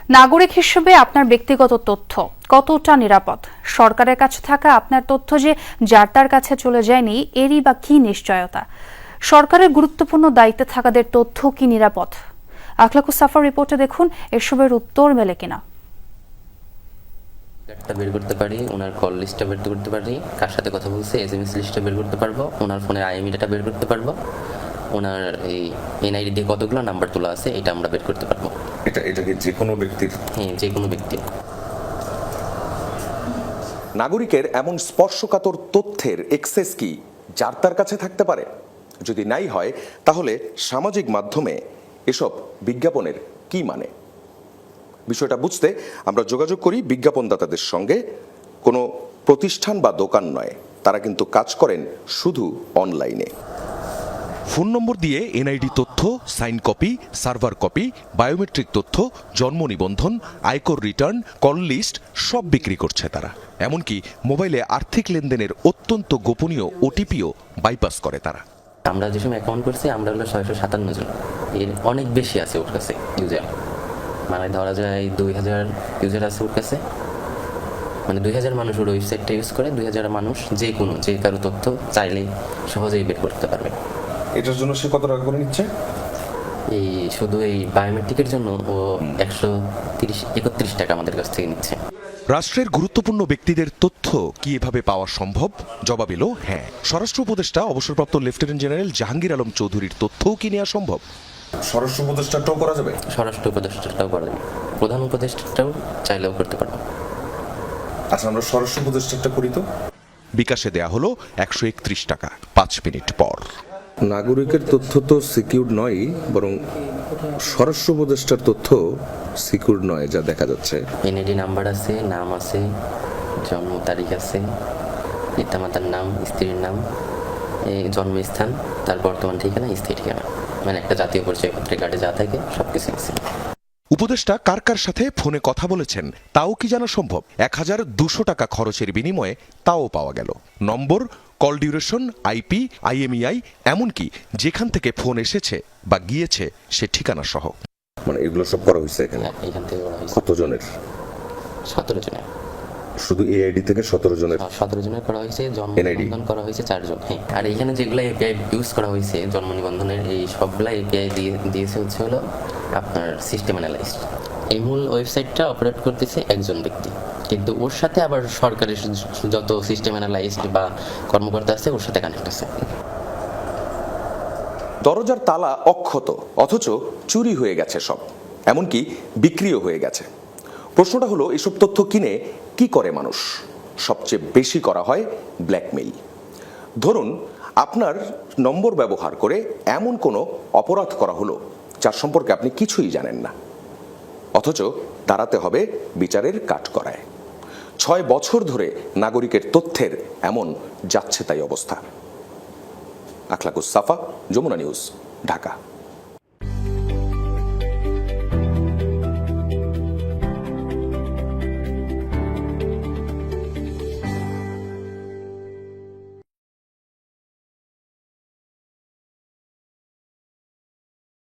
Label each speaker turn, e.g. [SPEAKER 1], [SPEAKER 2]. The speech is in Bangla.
[SPEAKER 1] নাগরিক হিসেবে আপনার ব্যক্তিগত তথ্য কতটা নিরাপদ? সরকারের কাছে থাকা আপনার তথ্য যে যার তার কাছে চলে যায়নি, এরই বা কি নিশ্চয়তা? সরকারের গুরুত্বপূর্ণ দায়িত্বে থাকাদের তথ্য কি নিরাপদ? আখলাকুস সাফার রিপোর্টে দেখুন এসবের উত্তর মেলে কিনা।
[SPEAKER 2] বের করতে পারি, ওনার কল লিস্টটা বের করতে পারি, কার সাথে কথা বলছে এসএমএস লিস্টটা বের করতে পারবো, ওনার ফোনের আইএমই ডাটা বের করতে পারবো, ওনার এই এনআইডি দিয়ে কতগুলো নাম্বার তোলা আছে এটা আমরা বের করতে পারবো।
[SPEAKER 3] এটা কি যে কোনো ব্যক্তির?
[SPEAKER 2] হ্যাঁ, যে কোনো ব্যক্তি।
[SPEAKER 4] নাগরিকের এমন স্পর্শকাতর তথ্যের এক্সেস কি যার তার কাছে থাকতে পারে? যদি নাই হয়, তাহলে সামাজিক মাধ্যমে এসব বিজ্ঞাপনের কি মানে? বিষয়টা বুঝতে আমরা যোগাযোগ করি বিজ্ঞাপনদাতাদের সঙ্গে। কোনো প্রতিষ্ঠান বা দোকান নয়, তারা কিন্তু কাজ করেন শুধু অনলাইনে।
[SPEAKER 5] ফোন নম্বর দিয়ে এনআইডি তথ্য, sign copy, server copy, biometric তথ্য, জন্ম নিবন্ধন, আয়কর রিটার্ন, কল লিস্ট সব বিক্রি করছে তারা। এমনকি মোবাইলে আর্থিক লেনদেনের অত্যন্ত গোপনীয় ওটিপিও বাইপাস করে তারা।
[SPEAKER 2] আমরা যে সময় অ্যাকাউন্ট করছি আমরা হলো 657 জন, এর অনেক বেশি আছে ওর কাছে ইউজার। মানে ধরা যায় 2000 ইউজার আছে ওর কাছে, মানে 2000 মানুষ ওর ওয়েবসাইটটা ইউজ করে। 2000 মানুষ যে কারো তথ্য চাইলেই সহজেই বের করতে পারবে।
[SPEAKER 3] এটার জন্য সে কত টাকা করে নিচ্ছে?
[SPEAKER 2] এই শুধু এই বায়োমেট্রিকের জন্য ও 131 টাকা আমাদের কাছ থেকে নিচ্ছে।
[SPEAKER 5] রাষ্ট্রের গুরুত্বপূর্ণ ব্যক্তিদের তথ্য কি এভাবে পাওয়া সম্ভব? জবাব এলো হ্যাঁ। স্বরাষ্ট্র উপদেষ্টা অবসরপ্রাপ্ত লেফটেন্যান্ট জেনারেল জাহাঙ্গীর আলম চৌধুরীর তথ্যও কি নেওয়া সম্ভব?
[SPEAKER 3] স্বরাষ্ট্র উপদেষ্টাটাও করা যাবে?
[SPEAKER 2] স্বরাষ্ট্র উপদেষ্টাটাও করা যাবে, প্রধান উপদেষ্টাটাও চাইলেও করতে পারবো।
[SPEAKER 3] আচ্ছা, আমরা স্বরাষ্ট্র উপদেষ্টাটা করি তো।
[SPEAKER 5] বিকাশে দেয়া হলো 131 টাকা। 5 মিনিট পর
[SPEAKER 6] নাগরিকের তথ্য তো সিকিউর নয়, বরং স্বরাষ্ট্র উপদেষ্টার তথ্য সিকিউর নয় যা দেখা যাচ্ছে।
[SPEAKER 2] এনআইডি নাম্বার আছে, নাম আছে, জন্ম তারিখ আছে, পিতামাতার নাম, স্ত্রীর নাম, জন্মস্থান, তার বর্তমান ঠিকানা, স্থায়ী ঠিকানা, মানে একটা জাতীয় পরিচয়পত্র কার্ডে যা থাকে সবকিছু আছে।
[SPEAKER 5] উপদেষ্টা কার কার সাথে ফোনে কথা বলেছেন তাও কি জানা সম্ভব? 1200 টাকা খরচের বিনিময়ে তাও পাওয়া গেল। Number, call duration, IP, IMEI, এমনকি যেখান থেকে ফোন এসেছে বা গিয়েছে সে ঠিকানা সহ।
[SPEAKER 6] মানে এগুলো সব করা হয়েছে এখানে?
[SPEAKER 2] এখান থেকে করা হয়েছে।
[SPEAKER 6] কতজনের?
[SPEAKER 2] 17 জনের।
[SPEAKER 6] শুধু এআইডি থেকে 17 জনের?
[SPEAKER 2] 17 জনের করা হয়েছে। জন্ম নিবন্ধন করা হয়েছে 4 জন। হ্যাঁ, আর এখানে যেগুলো এপিআই ইউজ করা হয়েছে জন্ম নিবন্ধনের, এই সবগুলা এপিআই দিয়েছে হলো আপনার সিস্টেম অ্যানালাইজড। এই মূল ওয়েবসাইটটা অপারেট করতেছে একজন ব্যক্তি, কিন্তু ওর সাথে আবার সরকারের যত সিস্টেম অ্যানালাইজড বা কর্মকর্তা আছে ওর সাথে কানেক্ট আছে।
[SPEAKER 4] দরজার তালা অক্ষত, অথচ চুরি হয়ে গেছে সব, এমনকি বিক্রিও হয়ে গেছে। প্রশ্নটা হলো, এসব তথ্য কিনে কি করে মানুষ? সবচেয়ে বেশি করা হয় ব্ল্যাকমেইল। ধরুন আপনার নম্বর ব্যবহার করে এমন কোনো অপরাধ করা হলো যার সম্পর্কে আপনি কিছুই জানেন না, অথচ দাঁড়াতে হবে বিচারের কাঠগড়ায়। 6 বছর ধরে নাগরিকের তথ্যের এমন যাচ্ছে তাই অবস্থা। আখলাকুস সাফা, যমুনা নিউজ, ঢাকা।